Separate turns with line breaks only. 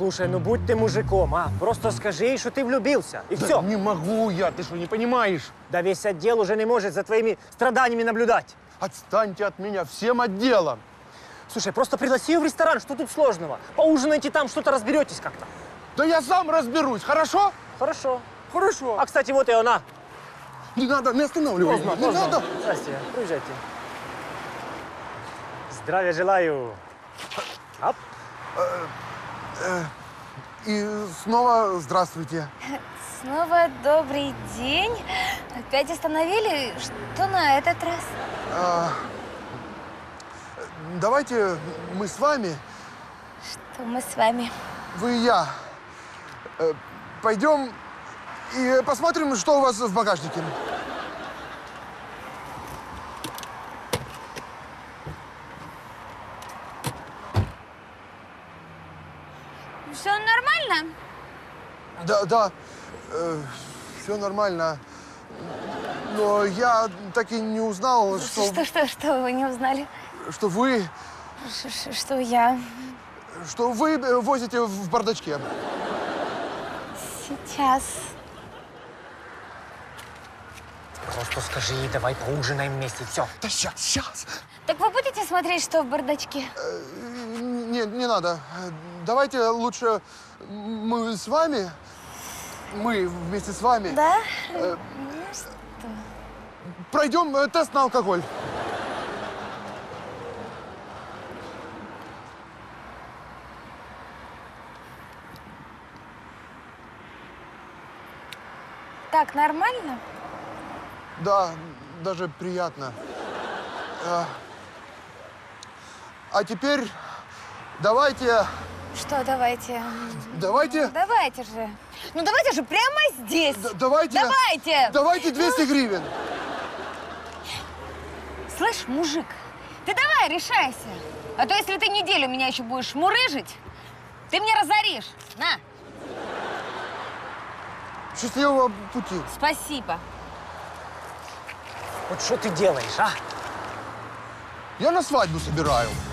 Слушай, ну будь ты мужиком, а? Просто скажи ей, что ты влюбился, и
Да
все.
не могу я, ты что, не понимаешь?
Да весь отдел уже не может за твоими страданиями наблюдать.
Отстаньте от меня всем отделом.
Слушай, просто пригласи ее в ресторан, что тут сложного? Поужинайте там, что-то разберетесь как-то.
Да я сам разберусь, хорошо?
Хорошо.
Хорошо.
А, кстати, вот и она.
Не надо, не останавливай. Не надо.
Здрасте, приезжайте. Здравия желаю. Оп.
И снова здравствуйте.
Снова добрый день. Опять остановили? Что на этот раз?
Давайте мы с вами,
Что мы с вами?
вы и я, пойдем и посмотрим, что у вас в багажнике.
Все нормально?
Да, все нормально. Но я так и не узнал,
Что вы не узнали?
что вы
Что я
возите в бардачке.
сейчас?
Просто скажи ей, давай поужинаем вместе, все.
Да сейчас.
Так вы будете смотреть, что в бардачке?
Не надо. Давайте лучше мы с вами, мы вместе с вами
Да?
пройдем тест на алкоголь.
Так, нормально?
Да, даже приятно. А теперь давайте,
Что, давайте?
давайте,
Давайте же. Ну давайте же прямо здесь.
давайте,
Давайте.
давайте 200 гривен.
Слышь, мужик, ты давай решайся. А то если ты неделю меня еще будешь мурыжить, ты мне разоришь. На,
Счастливого пути.
спасибо.
Вот что ты делаешь, а?
Я на свадьбу собираю.